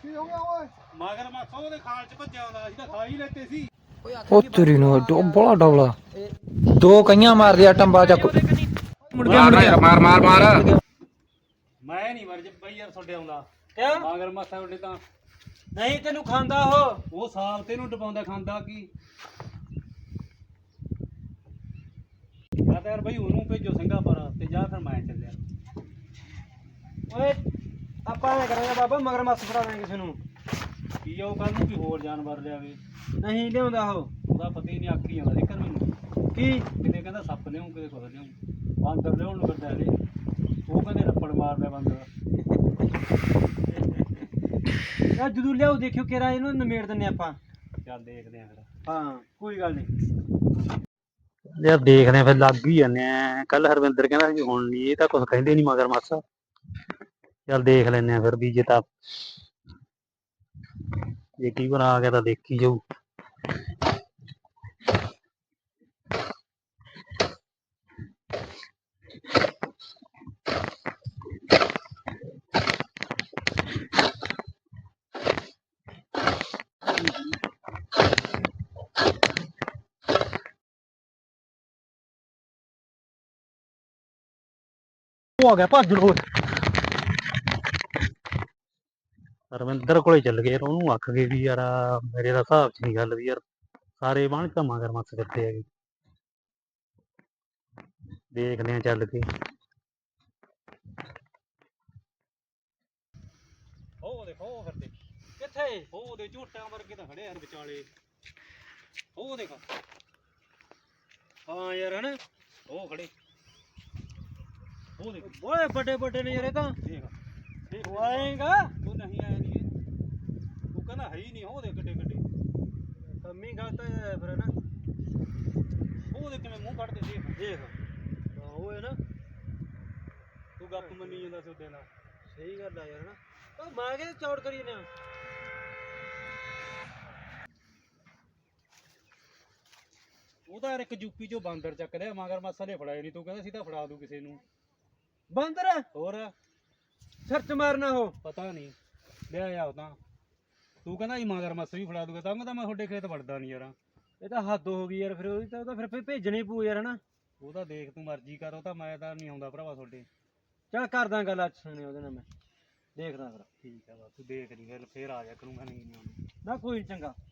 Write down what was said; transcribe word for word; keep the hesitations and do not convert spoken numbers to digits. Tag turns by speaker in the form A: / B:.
A: ਕੀ ਹੋ ਗਿਆ ਓਏ ਮਗਰ ਮੱਛ ਉਹਦੇ ਖਾਲ ਚ ਭੱਜਿਆ ਹੁੰਦਾ ਸੀ ਤਾਂ ਖਾ ਹੀ ਲੈਤੇ ਸੀ।
B: ਉਹ ਤੇਰੀ ਨੂੰ ਬੜਾ ਡਬਲਾ ਦੋ ਕਈਆਂ ਮਾਰ ਦਿਆ ਟੰਬਾ ਚੱਕ
A: ਮੁੜ ਗਿਆ ਮੁੜ ਗਿਆ ਮਾਰ ਮਾਰ ਮਾਰ ਮੈਂ ਨਹੀਂ ਮਰ ਬਈ ਯਾਰ ਤੁਹਾਡੇ ਆਉਂਦਾ ਕਿਆ ਮਗਰ ਮੱਛ ਤੁਹਾਡੇ ਤਾਂ ਨਹੀਂ ਤੈਨੂੰ ਖਾਂਦਾ ਉਹ ਉਹ ਸਾਲ ਤੈਨੂੰ ਡਬਾਉਂਦਾ ਖਾਂਦਾ ਕੀ ਜਾਂ ਤਾਂ ਯਾਰ ਬਈ ਉਹਨੂੰ ਭੇਜੋ ਸਿੰਘਾ ਪਰ ਤੇ ਜਾਂ ਫਿਰ ਮੈਂ ਚੱਲਿਆ ਓਏ ਆਪਾਂ ਐ ਕਰਾਂਗੇ ਬਾਬਾ ਮਗਰ ਮੱਛ ਫੜਾ ਦਾਂਗੇ ਕਿਸੇ ਨੂੰ ਕੀ ਉਹ ਕੱਲ ਨੂੰ ਕੀ ਹੋਰ ਜਾਨਵਰ ਲਿਆਵੇ ਨਹੀਂ ਲਿਆਉਂਦਾ ਉਹ ਉਹਦਾ ਪਤਾ ਹੀ ਨਹੀਂ ਆਖੀ ਜਾਂਦਾ ਦੇਖਣ ਮੈਨੂੰ ਕੀ ਕਿਤੇ ਕਹਿੰਦਾ ਸੱਪ ਲਿਆਉਂ ਕਿਤੇ ਕੁਝ ਲਿਆਉਂ ਬਾਂਦਰ ਲਿਆਉਣ ਨੂੰ ਫਿਰਦਾ ਹਲੇ ਉਹ ਕਹਿੰਦੇ ਰੱਪੜ ਮਾਰਦਾ ਬਾਂਦਰ ਯਾਰ ਜਦੋਂ ਲਿਆਓ ਦੇਖਿਓ ਕਿਹੜਾ ਇਹਨੂੰ ਨਿਮੇੜ ਦਿੰਨੇ ਆਪਾਂ ਚੱਲ ਦੇਖਦੇ ਆਂ ਫਿਰ ਹਾਂ ਕੋਈ ਗੱਲ ਨਹੀਂ ਯਾਰ ਦੇਖਦੇ ਆਂ ਫਿਰ ਲੱਗ ਹੀ ਜਾਂਦੇ ਆ ਕੱਲ ਹਰਵਿੰਦਰ ਕਹਿੰਦਾ ਸੀ ਹੁਣ ਨਹੀਂ ਇਹ ਤਾਂ ਕੁਝ ਕਹਿੰਦੇ ਨਹੀਂ ਮਗਰ ਮੱਛ ਚੱਲ ਦੇਖ ਲੈਂਦੇ ਆ ਫਿਰ ਵੀ ਜੇ ਤਾਂ ਜੇ ਕੀ ਬਣਾ ਆ ਗਿਆ ਤਾਂ ਦੇਖੀ ਜਾਊ ਉਹ ਆ ਗਿਆ ਭੱਜ ਲੋ ਰਵਿੰਦਰ ਕੋਲੇ ਚੱਲ ਗਏ ਉਹਨੂੰ ਆਖ ਗਏ ਵੀ ਯਾਰ ਮੇਰੇ ਦਾ ਹਿਸਾਬ ਚ ਨਹੀਂ ਗੱਲ ਵੀ ਯਾਰ ਸਾਰੇ ਬਾਣ ਤਾਂ ਮਗਰ ਮੱਛ ਫਿਰਦੇ ਹੈਗੇ ਦੇਖਦੇ ਆ ਚੱਲ ਕੇ ਉਹ ਦੇਖੋ ਉਹ ਫਿਰਦੇ ਕਿੱਥੇ ਉਹ ਦੇ ਝੂਟਾਂ ਵਰਗੇ ਤਾਂ ਖੜੇ ਹਨ ਵਿਚਾਲੇ ਉਹ ਦੇਖ ਹਾਂ ਯਾਰ ਹਨਾ ਉਹ ਖੜੇ ਉਹ ਦੇਖ ਬੜੇ ਵੱਡੇ ਵੱਡੇ ਨੇ ਯਾਰ ਇਹ ਤਾਂ ਦੇਖ ਦੇਖ ਆਏਗਾ ਤੂੰ ਨਹੀਂ ਆਇਆ ਨਹੀਂ ਤੂੰ ਕਹਿੰਦਾ ਹੈ ਹੀ ਨਹੀਂ ਉਹ ਦੇ ਗੱਡੇ ਗੱਡੇ ਕੰਮੀ ਗਲਤ ਹੈ ਫਿਰ ਨਾ ਉਹ ਦੇ ਕਿਵੇਂ ਮੂੰਹ ਕੱਢਦੇ ਦੇਖ ਦੇਖ ਉਹ ਹੈ ਨਾ ਤੂੰ ਗੱਪ ਮੰਨੀ ਜਾਂਦਾ ਸੀ ਉਹਦੇ ਨਾਲ ਸਹੀ ਗੱਲ ਆ ਯਾਰ ਹਨਾ ਉਹ ਮਾਰ ਕੇ ਚੌੜ ਕਰੀ ਨਾ ਉਹ ਤਾਂ ਯਾਰ ਇੱਕ ਯੂਪੀ ਚੋਂ ਬਾਂਦਰ ਚੱਕ ਲਿਆ ਮਗਰ ਮੱਛ ਨੇ ਫੜਾਏ ਨਹੀਂ ਤੂੰ ਕਹਿੰਦਾ ਸੀ ਤਾਂ ਫੜਾ ਦੂ ਕਿਸੇ ਨੂੰ ਬਾਂਦਰ ਹੋਰ ਸਰਚ ਮਾਰਨਾ ਉਹ ਪਤਾ ਨਹੀਂ ਲਿਆ ਆ ਤਾਂ ਤੂੰ ਕਹਿੰਦਾ ਜੀ ਮਗਰ ਮੱਛ ਵੀ ਫੜਾ ਦੂਗਾ ਤਾਂ ਮੈਂ ਤੁਹਾਡੇ ਖੇਤ ਵੜਦਾ ਨਹੀਂ ਯਾਰ ਇਹ ਤਾਂ ਹੱਦ ਹੋ ਗਈ ਯਾਰ ਫਿਰ ਉਹਦੀ ਤਾਂ ਉਹਦਾ ਫਿਰ ਭੇਜਣੀ ਪਊ ਯਾਰ ਹਨਾ ਉਹ ਤਾਂ ਦੇਖ ਤੂੰ ਮਰਜ਼ੀ ਕਰ ਉਹ ਤਾਂ ਮੈਂ ਤਾਂ ਨਹੀਂ ਆਉਂਦਾ ਭਰਾਵਾ ਤੁਹਾਡੇ ਚੱਲ ਕਰਦਾ ਗੱਲ ਅੱਜ ਸੁਣੇ ਉਹਦੇ ਨਾਲ ਮੈਂ ਦੇਖਦਾ ਫਿਰ ਠੀਕ ਆ ਬਸ ਤੂੰ ਦੇਖ ਲਈ ਫਿਰ ਫੇਰ ਆ ਜਾ ਕਰੂੰਗਾ ਨਹੀਂ ਨਹੀਂ ਨਾ ਕੋਈ ਚੰਗਾ